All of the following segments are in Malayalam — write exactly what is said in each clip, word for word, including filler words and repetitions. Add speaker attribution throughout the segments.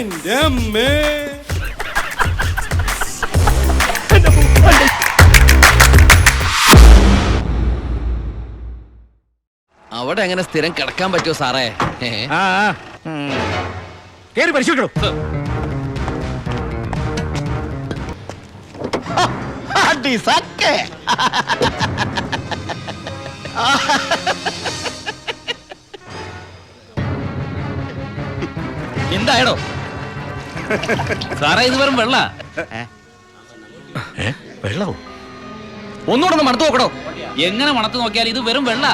Speaker 1: എന്റെ അമ്മേ.
Speaker 2: അവിടെ എങ്ങനെ സ്ഥിരം കിടക്കാൻ പറ്റുമോ സാറേ?
Speaker 3: കേറി പരിശോധിക്കണോ?
Speaker 2: എന്തായടോ സാറേ? ഇത് വെറും വെള്ള.
Speaker 3: വെള്ളവും
Speaker 2: ഒന്നുകൂടെ ഒന്ന് മണത്ത് നോക്കടോ. എങ്ങനെ മണത്ത് നോക്കിയാൽ ഇത് വെറും വെള്ള.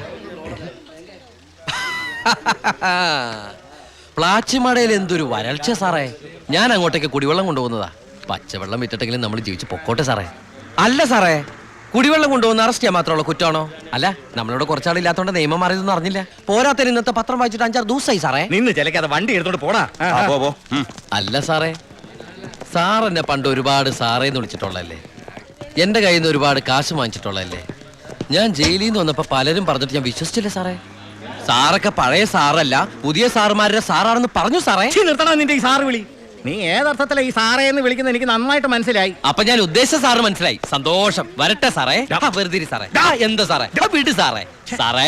Speaker 2: പ്ലാച്ചിമടയിൽ എന്തൊരു വരൾച്ച സാറേ. ഞാൻ അങ്ങോട്ടേക്ക് കുടിവെള്ളം കൊണ്ടുപോകുന്നതാ. പച്ചവെള്ളം വിറ്റിട്ടെങ്കിലും നമ്മൾ ജീവിച്ച് പൊക്കോട്ടെ സാറേ. അല്ല സാറേ, കുടിവെള്ളം കൊണ്ടുപോകുന്ന അറസ്റ്റ് ചെയ്യാൻ മാത്രമുള്ള കുറ്റമാണോ? അല്ല, നമ്മളോട് കുറച്ചാളില്ലാത്തോണ്ട് നിയമം മാറിയതൊന്നും അറിഞ്ഞില്ല. പോരാത്തതിന് ഇന്നത്തെ പത്രം വായിച്ചിട്ട് അഞ്ചാറ് ദിവസമായി സാറേ.
Speaker 3: നിന്ന് ചിലക്കാതെ വണ്ടി എടുത്തോണ്ട് പോടാ.
Speaker 2: അല്ല സാറേ, സാർ എന്നെ പണ്ട് ഒരുപാട് സാറേന്ന് വിളിച്ചിട്ടുള്ളല്ലേ. എന്റെ കയ്യിൽ നിന്ന് ഒരുപാട് കാശ് വാങ്ങിച്ചിട്ടുള്ളല്ലേ. ഞാൻ ജയിലിൽ നിന്ന് വന്നപ്പോ പലരും പറഞ്ഞിട്ട് ഞാൻ വിശ്വസിച്ചില്ല സാറേ. സാറൊക്കെ പഴയ സാറല്ല, പുതിയ സാറുമാരുടെ സാറാണെന്ന് പറഞ്ഞു സാറേ.
Speaker 3: നിർത്തണം നിന്റെ ഈ സാറ് വിളി. നീ ഏതർത്ഥത്തിലാ ഈ സാറേ എന്ന് വിളിക്കുന്നത് എനിക്ക് നന്നായിട്ട് മനസ്സിലായി.
Speaker 2: അപ്പൊ ഞാൻ ഉദ്ദേശിച്ച സാറ് മനസ്സിലായി. സന്തോഷം. വരട്ടെ സാറേ. വെറുതെ സാറേ. എന്താ സാറേ? വീട് സാറേ. സാറേ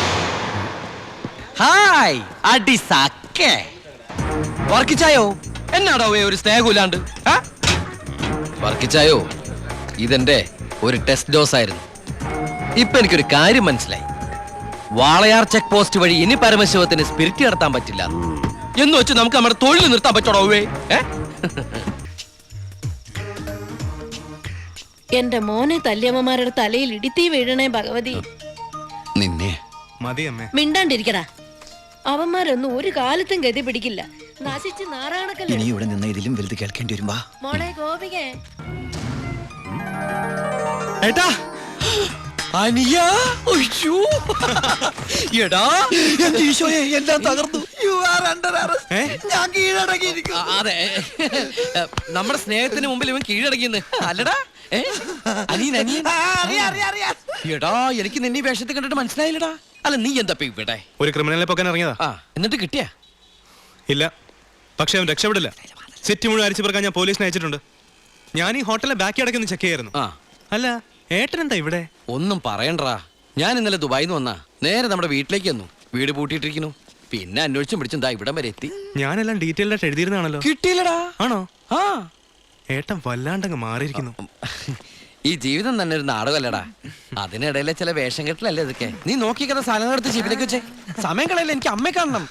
Speaker 2: ഹായ്. അടി സാക്കേ വർക്കിച്ചായോ? എന്നാടോ ഒരു സ്നേഹമില്ലാണ്ട്? വർക്കിച്ചായോ, ഇതെന്റെ ഒരു ടെസ്റ്റ് ഡോസ് ആയിരുന്നു. ഇപ്പൊ എനിക്കൊരു കാര്യം മനസ്സിലായി. വാളയാർ ചെക്ക് പോസ്റ്റ് വഴി ഇനി പരമശിവത്തിന് സ്പിരിറ്റ് നടത്താൻ പറ്റില്ല എന്ന് വെച്ച് നമുക്ക് നമ്മുടെ തൊഴിൽ നിർത്താൻ പറ്റണോ?
Speaker 4: എന്റെ മോനെ തല്ലിയമ്മമാരുടെ തലയിൽ ഇടിത്തീ വീഴണേ ഭഗവതി.
Speaker 2: നിന്നെ
Speaker 4: മിണ്ടാണ്ടിരിക്കടാ. അവന്മാരൊന്നും ഒരു കാലത്തും ഗതി പിടിക്കില്ല. നശിച്ച് നാറാണക്കല്ലേ.
Speaker 5: ഇനി ഇവിടെ നിന്ന് ഇതിലും വലുത് കേൾക്കേണ്ടി വരുമ്പോ
Speaker 4: മോളെ ഗോപികേ.
Speaker 2: ഏട്ടാ അനിയ, എടാ എന്റെ ഈശോയെ, എല്ലാം തകർന്നു. ഞാൻ കീഴടങ്ങിയിരിക്കും. അതെ, നമ്മുടെ സ്നേഹത്തിന് മുമ്പിൽ ഇവൻ കീഴടങ്ങിയെന്ന് അല്ലടാ. അനിയൻ അനിയൻ എടാ, എനിക്ക് നിന്നെ വേഷത്തിൽ കണ്ടിട്ട് മനസ്സിലായില്ലടാ. അല്ല, നീ എന്താ ഇവിടെ
Speaker 1: ഒരു ക്രിമിനലിനെ പൊക്കാൻ ഇറങ്ങിയതാ.
Speaker 2: ആ, എന്നിട്ട് കിട്ടിയാ?
Speaker 1: ഇല്ല, പക്ഷെ അവൻ രക്ഷപ്പെടില്ല. സിറ്റി മുഴുവൻ അരിച്ചു പറക്കാൻ ഞാൻ പോലീസിനെ അയച്ചിട്ടുണ്ട്. ഞാൻ ഈ ഹോട്ടലിലെ ബാക്കി അടക്കൊന്ന് ചെക്ക് ചെയ്യായിരുന്നു. അല്ല, ഏട്ടനെന്താ ഇവിടെ?
Speaker 2: ഒന്നും പറയണ്ടാ. ഞാൻ ഇന്നലെ ദുബായിൽ നിന്ന് വന്നാ നേരെ നമ്മുടെ വീട്ടിലേക്ക് വന്നു. വീട് പൂട്ടിയിട്ടിരിക്കുന്നു. പിന്നെ അന്വേഷിച്ചും പിടിച്ചും ദാ ഇവിടം വരെ എത്തി.
Speaker 1: ഞാനെല്ലാം ഡീറ്റെയിൽഡ് ആയിട്ട് എഴുതിയിരുന്നാണല്ലോ.
Speaker 2: കിട്ടിയില്ലടാ.
Speaker 1: ആണോ?
Speaker 2: ആ,
Speaker 1: ഏട്ടൻ വല്ലാണ്ടങ്ങ് മാറിയിരിക്കുന്നു.
Speaker 2: ഈ ജീവിതം തന്നെ ഒരു നാടകമല്ലടാ. അതിനിടയിലെ ചില വേഷം കെട്ടലല്ലേ ഇതൊക്കെ. നീ നോക്കിക്കഥ സാധനം എടുത്ത് ജീപ്പിലേക്ക് വെച്ചേ. സമയം കളയല്ലേ, എനിക്ക് അമ്മയെ കാണണം.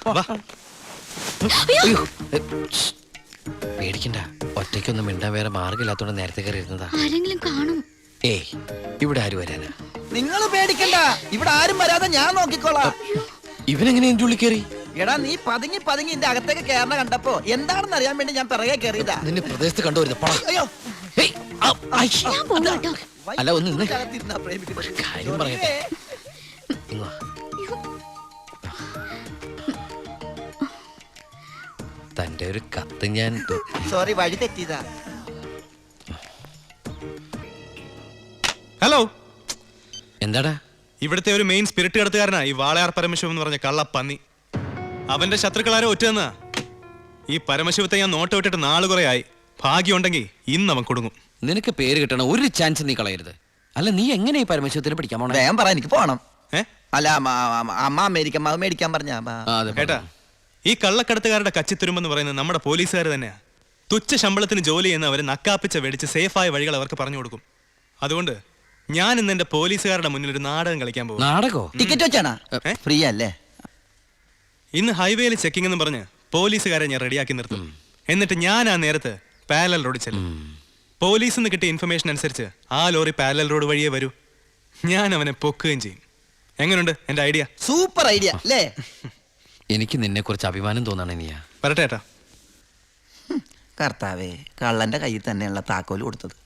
Speaker 2: പേടിക്കണ്ട, ഒറ്റയ്ക്കൊന്നും മിണ്ടാൻ വേറെ മാർഗമില്ലാത്തോണ്ട് നേരത്തെ കയറി ഇരുന്നതാ.
Speaker 4: ആരെങ്കിലും കാണും.
Speaker 2: ഏയ്, ഇവിടെ ആര് വരാനാ?
Speaker 5: നിങ്ങൾ പേടിക്കണ്ട, ഇവിടെ ആരും വരാതെ ഞാൻ നോക്കിക്കോളാം.
Speaker 2: ഇവനെങ്ങനെ എന്റെ ഉള്ളിൽ കയറി?
Speaker 5: എടാ, നീ പതുങ്ങി പതുങ്ങി എന്റെ അകത്തേക്ക് കയറണ കണ്ടപ്പോ എന്താണെന്ന് അറിയാൻ വേണ്ടി ഞാൻ പിറകെ കയറിയതാ.
Speaker 2: നിന്നെ പ്രദേശത്ത് കണ്ടുവരുന്നു. അല്ല, ഒന്ന് നിന്ന് കാര്യം പറയട്ടെ. തന്റെ ഒരു കത്ത് ഞാൻ
Speaker 5: സോറി, വഴി തെറ്റിയതാ.
Speaker 1: ഹലോ,
Speaker 2: എന്താടാ?
Speaker 1: ഇവിടുത്തെ ഒരു മെയിൻ സ്പിരിറ്റ് കടത്തുകാരനാ ഈ വാളയാർ പരമശിവം എന്ന് പറഞ്ഞ കള്ളപ്പന്നി. അവന്റെ ശത്രുക്കളാരോ ഒറ്റന്നാ. ഈ പരമശിവത്തെ ഞാൻ നോട്ട് വിട്ടിട്ട് നാള് കുറെ ആയി. ഭാഗ്യമുണ്ടെങ്കിൽ ഇന്ന് അവൻ കൊടുങ്ങും.
Speaker 2: നിനക്ക് പേര് കിട്ടണ ഒരു ചാൻസ് നീ കളയരുത്. അല്ല, നീ എങ്ങനെ ഈ പരമശിവത്തിന് പിടിക്കാൻ പോണേ?
Speaker 5: വേഗം പറ, എനിക്ക് പോണം. അല്ല, അമ്മ അമേരിക്ക മേടിക്കാൻ പറഞ്ഞ
Speaker 1: കേട്ടാ. ഈ കള്ളക്കടത്തുകാരുടെ കച്ചിത്തുരുമ്പെന്ന് പറയുന്നത് നമ്മുടെ പോലീസുകാർ തന്നെയാ. തുച്ഛ ശമ്പളത്തിന് ജോലി ചെയ്യുന്ന അവര് നക്കാപ്പിച്ച വെടിച്ച് സേഫായ വഴികൾ അവർക്ക് പറഞ്ഞു കൊടുക്കും. അതുകൊണ്ട് ഞാൻ ഇന്ന് എന്റെ പോലീസുകാരുടെ മുന്നിൽ ഒരു നാടകം കളിക്കാൻ പോകും.
Speaker 2: നാടകോ?
Speaker 5: ടിക്കറ്റ് വെച്ചാണാ? ഫ്രീ അല്ലേ?
Speaker 1: ഇന്ന് ഹൈവേയിൽ ചെക്കിംഗ് എന്ന് പറഞ്ഞ് പോലീസുകാരെ ഞാൻ റെഡിയാക്കി നിർത്തും. എന്നിട്ട് ഞാൻ ആ നേരത്ത് പാരലൽ റോഡ് ചെല്ലും. പോലീസിൽ നിന്ന് കിട്ടിയ ഇൻഫർമേഷൻ അനുസരിച്ച് ആ ലോറി പാരലൽ റോഡ് വഴിയേ വരൂ. ഞാൻ അവനെ പൊക്കുകയും ചെയ്യും. എങ്ങനെയുണ്ട് എന്റെ ഐഡിയ?
Speaker 5: സൂപ്പർ ഐഡിയ അല്ലേ?
Speaker 2: എനിക്ക് നിന്നെ കുറിച്ച് അഭിമാനം തോന്നാണ്. നീയാ
Speaker 1: പറട്ടെ ഏട്ടാ.
Speaker 5: കർത്താവേ, കള്ളന്റെ കയ്യിൽ തന്നെയുള്ള താക്കോല് കൊടുത്തത്.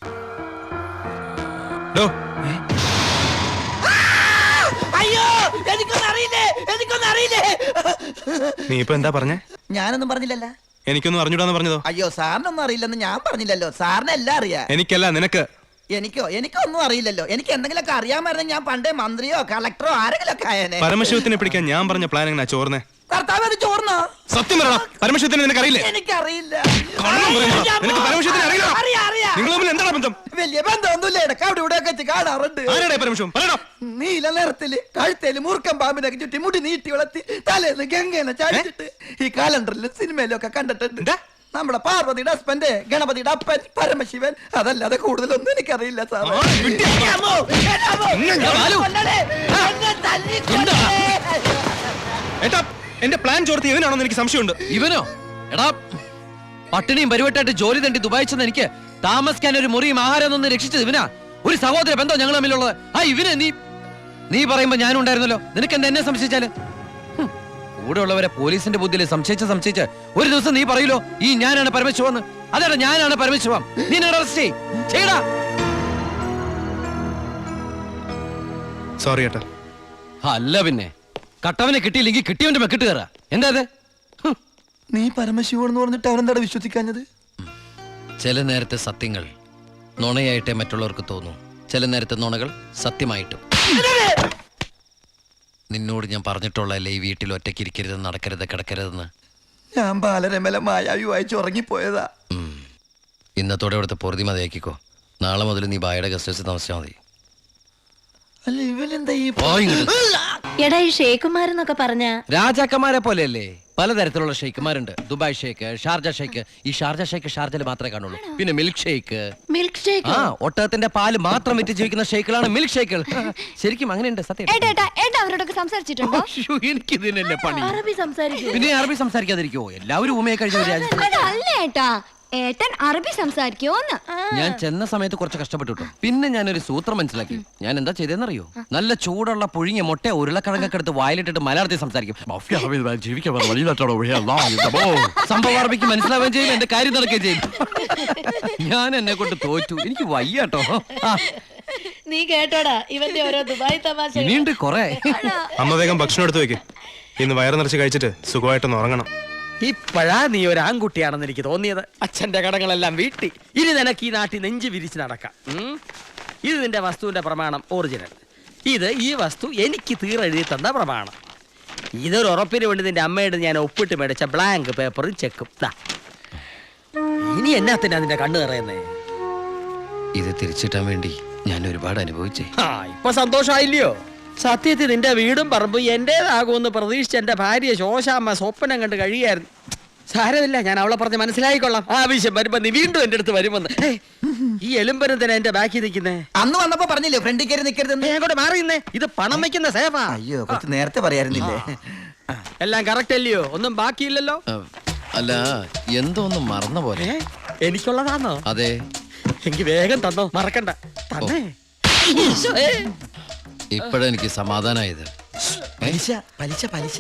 Speaker 5: അയ്യോ, എനിക്കൊന്നും അറിയില്ലേ, എനിക്കൊന്നും അറിയില്ലേ.
Speaker 1: നീ ഇപ്പൊ എന്താ പറഞ്ഞേ?
Speaker 5: ഞാനൊന്നും പറഞ്ഞില്ലല്ലോ.
Speaker 1: എനിക്കൊന്നും അറിഞ്ഞൂടാന്ന് പറഞ്ഞതോ?
Speaker 5: അയ്യോ, സാറിനൊന്നും അറിയില്ലെന്ന് ഞാൻ പറഞ്ഞില്ലല്ലോ. സാറിന് എല്ലാം അറിയാം.
Speaker 1: എനിക്കല്ല, നിനക്ക്.
Speaker 5: എനിക്കോ? എനിക്കൊന്നും അറിയില്ലല്ലോ. എനിക്ക് എന്തെങ്കിലുമൊക്കെ അറിയാമായിരുന്നെങ്കിൽ ഞാൻ പണ്ടേ മന്ത്രിയോ കളക്ടറോ ആരെങ്കിലും ഒക്കെ ആയേനെ.
Speaker 1: പരമശിവത്തിനെ പിടിക്കാൻ ഞാൻ പറഞ്ഞ പ്ലാൻ എങ്ങനെ ചോർന്നേ?
Speaker 5: കർത്താവ് അത് ചോർന്നാ
Speaker 1: സത്യം പറയണം, പരമശിവത്തിന് നിനക്ക് അറിയില്ലേ?
Speaker 5: എനിക്കറിയില്ല.
Speaker 1: കള്ളം പറയുന്നതാ. നിനക്ക് പരമശിവത്തിന് അറിയില്ല?
Speaker 5: അറിയാം, അറിയാം.
Speaker 1: നിങ്ങൾ തമ്മിൽ എന്താണ് ബന്ധം?
Speaker 5: വലിയ ബന്ധമൊന്നുമില്ല, ഇടയ്ക്ക് അവിടെ ഇവിടെ ഒക്കെ വെച്ച് കാണാറുണ്ട്.
Speaker 1: ആരാടെ പരമശിവൻ? പറയടാ.
Speaker 5: നീല നിറത്തില് കഴുത്തേല് മൂർക്കം പാമ്പിനൊക്കെ ചുറ്റി മുടി നീട്ടി വളർത്തി തലേന്ന് ഗംഗേനെ ചാടിച്ചിട്ട് ഈ കാലണ്ടറിലും സിനിമയിലും ഒക്കെ കണ്ടിട്ടുണ്ട്.
Speaker 1: എന്താ?
Speaker 5: നമ്മുടെ പാർവതിയുടെ ഹസ്ബൻഡ്, ഗണപതിയുടെ അപ്പൻ, പരമശിവൻ. അതല്ലാതെ കൂടുതലൊന്നും എനിക്കറിയില്ല സാറേ.
Speaker 1: ആ, വിട്ടി.
Speaker 5: എന്നെ അമ്മോ, എന്നെ അമ്മോ,
Speaker 1: ഇന്ന് ഞാൻ
Speaker 5: എന്നെ
Speaker 1: വാലു.
Speaker 5: കൊല്ലണേ, എന്നെ തല്ലിക്കൊല്ലണേ.
Speaker 1: ഏട്ടാ, എന്റെ പ്ലാൻ ചോർത്തി ഇവനാണെന്ന് എനിക്ക് സംശയമുണ്ട്.
Speaker 2: ഇവനോ? എടാ, പട്ടിണിയും പരിവട്ടായിട്ട് ജോലി തണ്ടി ദുബായി ചെന്ന് എനിക്ക് താമസിക്കാൻ ഒരു മുറിയും ആഹാരം ഒന്ന് രക്ഷിച്ചത് ഇവനാ. ഒരു സഹോദര ബന്ധം ഞങ്ങൾ തമ്മിലുള്ളത്. ആ ഇവന് നീ നീ പറയുമ്പോ ഞാനും ഉണ്ടായിരുന്നല്ലോ. നിനക്ക് എന്താ എന്നെ സംശയിച്ചാല്? ഹും, കൂടെ ഉള്ളവരെ പോലീസിന്റെ ബുദ്ധിയിൽ സംശയിച്ച് സംശയിച്ച് ഒരു ദിവസം നീ പറയൂലോ ഈ ഞാനാണ് പരമശിവന്ന്. അതാണ് ഞാനാണ് പരമശിവം. നീ അറസ്റ്റ് ചെയ്യടാ.
Speaker 1: സോറി ഏട്ടാ.
Speaker 2: അല്ല പിന്നെ കട്ടവനെ കിട്ടിയില്ലെങ്കിൽ കിട്ടിയവന്റെ മെക്കിട്ട് കയറാ. എന്താ അത്? ഹും.
Speaker 5: നീ പരമശിവൻ എന്ന് പറഞ്ഞിട്ട് അവനെന്താ വിശ്വസിക്കാഞ്ഞത്?
Speaker 2: ചില നേരത്തെ സത്യങ്ങൾ നുണയായിട്ടേ മറ്റുള്ളവർക്ക് തോന്നും. ചില നേരത്തെ നുണകൾ സത്യമായിട്ടും. നിന്നോട് ഞാൻ പറഞ്ഞിട്ടുള്ളതല്ലേ ഈ വീട്ടിൽ ഒറ്റയ്ക്ക് ഇരിക്കരുത്, നടക്കരുത്, കിടക്കരുതെന്ന്.
Speaker 5: ഞാൻ ബാലരമല മായാവി വായിച്ച് ഉറങ്ങിപ്പോയതാ.
Speaker 2: ഉം. ഇന്നത്തോടെ ഇവിടുത്തെ പൊറുതി മതിയാക്കിക്കോ. നാളെ മുതൽ നീ ബായുടെ ഗസ്റ്റ് ഹൗസിൽ താമസിച്ചാൽ മതി.
Speaker 5: അല്ല ഇവനെന്താ ഈ
Speaker 2: പോ ഇങ്ങോട്ട്.
Speaker 4: എടാ ഈ ഷേക്കുമാരെന്നൊക്കെ പറഞ്ഞ
Speaker 2: രാജാക്കന്മാരെ പോലെയല്ലേ പലതരത്തിലുള്ള ഷെയ്ക്കുമാരുണ്ട്. ദുബായ് ഷേക്ക്, ഷാർജ ഷേക്ക്. ഈ ഷാർജ ഷേക്ക് ഷാർജയിൽ മാത്രമേ കാണുള്ളൂ. പിന്നെ മിൽക്ക് ഷേക്ക്.
Speaker 4: Milk shake.
Speaker 2: ആ ഒട്ടകത്തിന്റെ പാല് മാത്രം വിറ്റ് ജീവിക്കുന്ന ഷേക്കുകളാണ് മിൽക്ക് ഷേക്കുകൾ. ശരിക്കും അങ്ങനെയുണ്ട്. സത്യം.
Speaker 6: അവരോടൊക്കെ സംസാരിച്ചിട്ടുണ്ടോ?
Speaker 2: എനിക്ക് ഇതിനല്ലേ പണി.
Speaker 4: അറബി സംസാരിക്കും.
Speaker 2: പിന്നെ അറബി സംസാരിക്കാതിരിക്കോ? എല്ലാവരും ഊമയെ കഴിഞ്ഞ ഒരു രാജ്യത്ത്.
Speaker 6: അല്ല ഏട്ടാ, ഏട്ടൻ അറബി സംസാരിക്കോന്ന്.
Speaker 2: ഞാൻ ചെന്ന സമയത്ത് കുറച്ച് കഷ്ടപ്പെട്ടു കേട്ടോ. പിന്നെ ഞാനൊരു സൂത്രം മനസ്സിലാക്കി. ഞാൻ എന്താ ചെയ്തെന്നറിയോ? നല്ല ചൂടുള്ള പുഴുങ്ങിയ മുട്ട ഉരുളക്കിഴങ്ങൊക്കെ എടുത്ത് വായിലിട്ടിട്ട് മലയാളത്തിൽ സംസാരിക്കും. സംഭവം അറബിക്ക് മനസ്സിലാവുകയും ചെയ്യും, എന്റെ കാര്യം നടക്കുകയും ചെയ്യും. ഞാൻ എന്നെ കൊണ്ട് തോറ്റു. എനിക്ക് വയ്യാട്ടോ.
Speaker 4: നീ കേട്ടോടാ ഇവന്റെ ഓരോ ദുബായ് തമാശ.
Speaker 2: ഇനിയുണ്ട് കൊറേ.
Speaker 1: അമ്മ വേഗം ഭക്ഷണം എടുത്തു വെക്ക്. ഇന്ന് വയറ് നിറച്ച് കഴിച്ചിട്ട് സുഖമായിട്ടൊന്ന് ഉറങ്ങണം.
Speaker 7: ഇപ്പോഴാ നീ ഒരു ആൺകുട്ടിയാണെന്ന് എനിക്ക് തോന്നിയത്. അച്ഛന്റെ കടങ്ങളെല്ലാം വീട്ടി ഇനി നിനക്ക് ഈ നാട്ടിൽ നെഞ്ച് വിരിച്ച് നടക്കാം. ഉം. ഇത് നിന്റെ വസ്തുവിന്റെ പ്രമാണം ഒറിജിനൽ. ഇത് ഈ വസ്തു എനിക്ക് തീരെഴുതി തന്ന പ്രമാണം. ഇതൊരു ഉറപ്പിന് വേണ്ടി നിന്റെ അമ്മയുടെ ഞാൻ ഒപ്പിട്ട് മേടിച്ച ബ്ലാങ്ക് പേപ്പറും ചെക്കും. ദാ. ഇനി എന്നാത്തിനാ നിന്റെ കണ്ണു നിറയുന്നേ?
Speaker 2: ഇത് തിരിച്ചിട്ടാൻ വേണ്ടി ഞാൻ ഒരുപാട് അനുഭവിച്ചേ.
Speaker 7: ആ ഇപ്പൊ സന്തോഷമായില്ലയോ? സത്യത്തിൽ നിന്റെ വീടും പറമ്പും എന്റേതാകുമെന്ന് പ്രതീക്ഷിച്ച എന്റെ ഭാര്യ ശോശാമ്മ സ്വപ്നം കണ്ട് കഴിയായിരുന്നു. സാരമില്ല, ഞാൻ അവളെ പറഞ്ഞ് മനസ്സിലായിക്കൊള്ളാം. ആവശ്യം വരുമ്പോ നീ വീണ്ടും എന്റെ അടുത്ത് വരുമെന്ന്. ഈ എലുമ്പനും തന്നെ എന്റെ ബാക്കി നിൽക്കുന്നേ.
Speaker 5: അന്ന് വന്നപ്പോ പറഞ്ഞില്ലേ ഫ്രണ്ടിൽ കയറി നിൽക്കരുതെന്ന്?
Speaker 7: ഞാൻ കൂടെ മാറിയുന്നേ. ഇത് പണം വെക്കുന്ന സേഫാ.
Speaker 5: അയ്യോ കുറച്ച് നേരത്തെ പറയായിരുന്നില്ലേ?
Speaker 7: എല്ലാം കറക്റ്റ് അല്ലയോ? ഒന്നും ബാക്കിയില്ലല്ലോ.
Speaker 2: ആ, അല്ല എന്തോ ഒന്ന് മറന്ന പോലെ.
Speaker 7: ഏ? എനിക്കുള്ളതാണോ?
Speaker 2: അതെ.
Speaker 7: എനിക്ക് വേഗം തന്നോ, മറക്കണ്ട. തന്നേ. ഈശോയേ.
Speaker 2: ഇപ്പോഴെനിക്ക് സമാധാനായത്.
Speaker 5: പലിശ പലിശ പലിശ.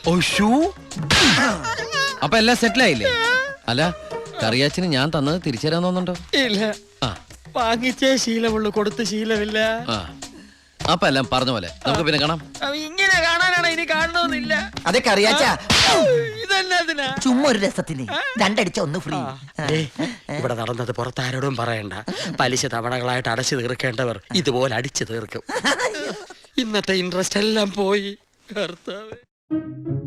Speaker 2: അപ്പൊ എല്ലാം സെറ്റിലായില്ലേ? അല്ല കറിയാച്ചിന് ഞാൻ തന്നത് തിരിച്ചു തരാൻ തോന്നുന്നുണ്ടോ?
Speaker 7: ഇല്ല,
Speaker 2: ആ
Speaker 7: വാങ്ങിച്ചേ ശീലമുള്ളൂ, കൊടുത്ത് ശീലമില്ല.
Speaker 2: ആ അപ്പൊ എല്ലാം പറഞ്ഞ പോലെ നമുക്ക് പിന്നെ കാണാം.
Speaker 7: ഇങ്ങനെ കാണാനാണ് ഇനി കാണണമെന്നില്ല.
Speaker 5: അതൊക്കെ അറിയാച്ചാ.
Speaker 7: ഇതെന്നാ
Speaker 5: ചുമ്മാ ഒരു രസത്തിന് രണ്ടടിച്ച ഒന്ന് ഫ്രീ.
Speaker 7: ഇവിടെ നടന്നത് പുറത്താരോടും പറയണ്ട. പലിശ തവണകളായിട്ട് അടച്ചു തീർക്കേണ്ടവർ ഇതുപോലെ അടിച്ചു തീർക്കും. ഇന്നത്തെ ഇൻട്രസ്റ്റ് എല്ലാം പോയി. കർത്താവേ.